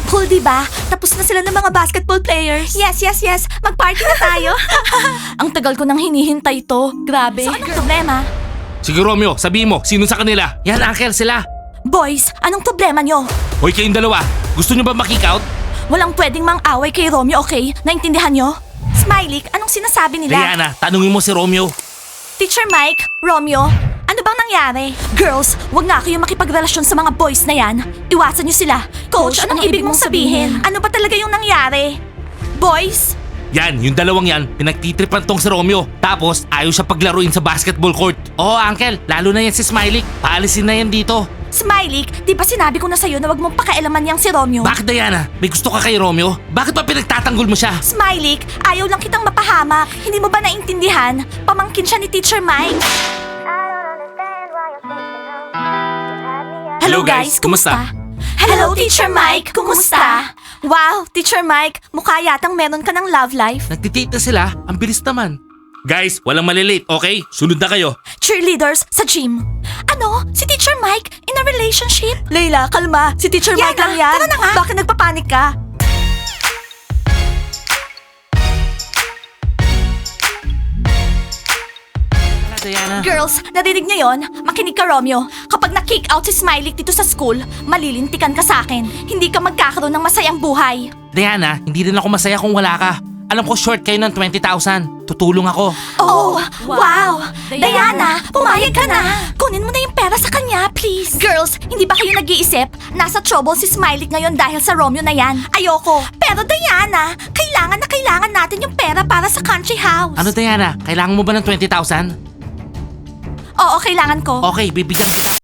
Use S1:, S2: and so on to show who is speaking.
S1: Cool, diba? Tapos na sila ng mga basketball players. Yes. Mag-party na tayo. Ang tagal ko nang hinihintay to. Grabe. So, anong problema?
S2: Sige Romeo, sabihin mo, sino sa kanila? Yan, Uncle, sila.
S1: Boys, anong problema nyo?
S2: Hoy, kayong dalawa, gusto nyo ba makick out?
S1: Walang pwedeng mang-away kay Romeo, okay? Naintindihan nyo? Smiley, anong sinasabi nila?
S2: Diana, tanungin mo si Romeo.
S1: Teacher Mike, Romeo, ano bang nangyari? Girls, wag nga kayo makipagrelasyon sa mga boys na yan. Iwasan nyo sila. Coach, anong ibig mong sabihin? Ano ba talaga yung nangyari? Boys?
S2: Yan, yung dalawang yan, pinagtitripan tong si Romeo. Tapos, ayaw siya paglaruin sa basketball court. Oo, Uncle, lalo na yan si Smiley. Paalisin na yan dito.
S1: Smiley, di ba sinabi ko na sa'yo na wag mong pakialaman yang si Romeo?
S2: Bakit, Diana? May gusto ka kay Romeo? Bakit ba pinagtatanggol mo siya?
S1: Smiley, ayaw lang kitang mapahamak. Hindi mo ba naintindihan? Pamangkin siya ni Teacher Mike.
S2: Hello, guys. Kumusta?
S1: Hello, Teacher Mike. Kumusta? Wow, Teacher Mike, mukha yatang meron ka ng love life.
S2: Nagtitite na sila, ang bilis naman. Guys, walang malilate, okay? Sunod na kayo.
S1: Cheerleaders sa gym. Ano? Si Teacher Mike in a relationship? Layla, kalma. Si Teacher Mike lang yan. Tara na nga. Bakit nagpapanik ka?
S2: Diana.
S1: Girls, narinig niyo yon? Makinig ka, Romeo. Kapag na-kick out si Smiley dito sa school, malilintikan ka sa akin. Hindi ka magkakaroon ng masayang buhay.
S2: Diana, hindi rin ako masaya kung wala ka. Alam ko short kayo ng 20,000. Tutulong ako.
S1: Oh, wow! Diana, pumayag ka na! Kunin mo na yung pera sa kanya, please! Girls, hindi ba kayo nag-iisip? Nasa trouble si Smiley ngayon dahil sa Romeo na yan. Ayoko. Pero Diana, kailangan na kailangan natin yung pera para sa country house.
S2: Ano Diana, kailangan mo ba ng 20,000?
S1: Oo, kailangan ko.
S2: Okay, bibigyan kita.